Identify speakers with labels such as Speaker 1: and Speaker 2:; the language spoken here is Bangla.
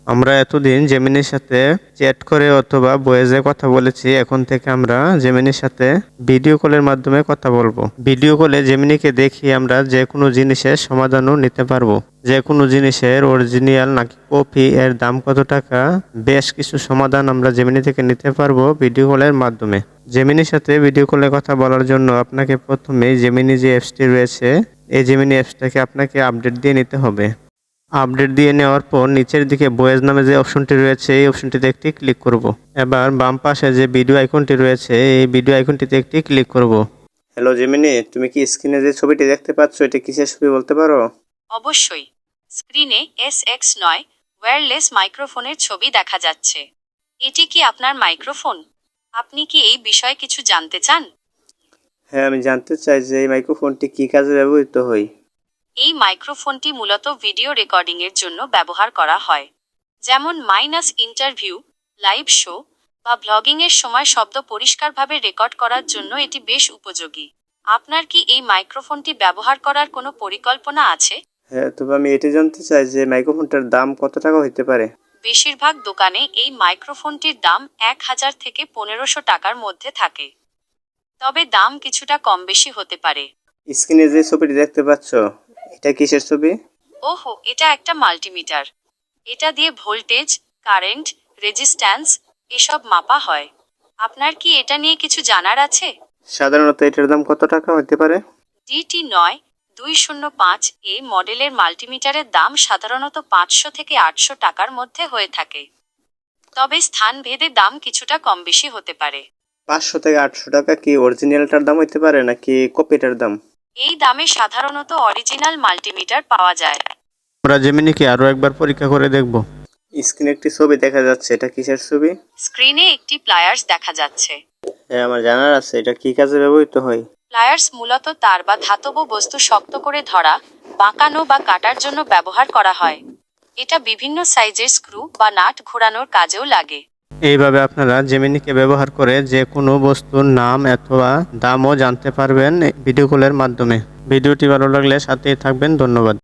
Speaker 1: আমরা এতদিন জেমিনির সাথে চ্যাট করে অথবা ভয়েসে কথা বলেছি, এখন থেকে আমরা জেমিনির সাথে ভিডিও কলের মাধ্যমে কথা বলবো। ভিডিও কলে জেমিনিকে দেখিয়ে আমরা যে কোনো জিনিসের সমাধানও নিতে পারবো। যে কোনো জিনিসের অরিজিনাল নাকি কপি, এর দাম কত টাকা, বেশ কিছু সমাধান আমরা জেমিনি থেকে নিতে পারবো ভিডিও কলের মাধ্যমে। জেমিনির সাথে ভিডিও কলে কথা বলার জন্য আপনাকে প্রথমে জেমিনি যে অ্যাপসটি রয়েছে, এই জেমিনি অ্যাপসটাকে আপনাকে আপডেট দিয়ে নিতে হবে। আপডেট দিয়ে নেওয়ার পর নিচের দিকে ভয়েস নামে যে অপশনটি রয়েছে, এই অপশনটিতে একটি ক্লিক করব। এবার বাম পাশে যে ভিডিও আইকনটি রয়েছে, এই ভিডিও আইকনটিতে একটি ক্লিক করব। হ্যালো জেমিনি, তুমি কি স্ক্রিনে যে ছবিটি দেখতে পাচ্ছ, এটা কিসের ছবি বলতে পারো?
Speaker 2: অবশ্যই। স্ক্রিনে SX9 ওয়্যারলেস মাইক্রোফোনের ছবি দেখা যাচ্ছে। এটি কি আপনার মাইক্রোফোন? আপনি কি এই বিষয়ে কিছু জানতে চান?
Speaker 1: হ্যাঁ, আমি জানতে চাই যে এই মাইক্রোফোনটি কি কাজে ব্যবহৃত হয়।
Speaker 2: এই মাইক্রোফোনটি মূলত ভিডিও রেকর্ডিংয়ের জন্য ব্যবহার করা হয়, যেমন ইন্টারভিউ, লাইভ শো বা ব্লগিংয়ের সময় শব্দ পরিষ্কারভাবে রেকর্ড করার জন্য এটি বেশ উপযোগী। আপনার কি এই মাইক্রোফোনটি ব্যবহার করার কোনো পরিকল্পনা আছে?
Speaker 1: হ্যাঁ, তবে আমি এটি জানতে চাই যে মাইক্রোফোনটার দাম কত টাকা হতে পারে।
Speaker 2: বেশিরভাগ দোকানে এই মাইক্রোফোনটির দাম 1000 থেকে 1500 টাকার মধ্যে থাকে, তবে দাম কিছুটা কম বেশি হতে পারে।
Speaker 1: স্ক্রিনে যে ছবিটি দেখতে পাচ্ছ, এটা কিসের ছবি?
Speaker 2: ওহো, এটা একটা মাল্টিমিটার। এটা দিয়ে ভোল্টেজ, কারেন্ট, রেজিস্ট্যান্স এসব মাপা হয়। আপনার কি এটা নিয়ে কিছু জানার আছে?
Speaker 1: সাধারণত এটার দাম কত টাকা হতে পারে?
Speaker 2: DT9-205 এই মডেলের মাল্টিমিটারের দাম সাধারণত 500 থেকে 800 টাকার মধ্যে হয়ে থাকে, তবে স্থানভেদে দাম কিছুটা কম বেশি হতে পারে।
Speaker 1: 500 থেকে 800 টাকা কি অরিজিনালটার দাম হতে পারে নাকি কপিটার দাম?
Speaker 2: এই দামে সাধারণত অরিজিনাল মাল্টিমিটার পাওয়া যায়।
Speaker 1: আমরা জেমিনিকে আরো একবার পরীক্ষা করে দেখব। স্ক্রিনে একটি ছবি দেখা যাচ্ছে, এটা কিসের ছবি?
Speaker 2: স্ক্রিনে একটি প্লায়ার্স দেখা যাচ্ছে।
Speaker 1: হ্যাঁ, আমার জানার আছে, এটা কি কাজে ব্যবহৃত হয়।
Speaker 2: প্লায়ার্স মূলত তার বা ধাতব বস্তু শক্ত করে ধরা, বাঁকানো বা কাটার জন্য ব্যবহার করা হয়। এটা বিভিন্ন সাইজের স্ক্রু বা নাট ঘোরানোর কাজেও লাগে।
Speaker 1: এইভাবে আপনারা জেমিনিকে ব্যবহার করে যে কোনো বস্তুর নাম অথবা দামও জানতে পারবেন ভিডিও কলের মাধ্যমে। ভিডিওটি ভালো লাগলে সাথেই থাকবেন। ধন্যবাদ।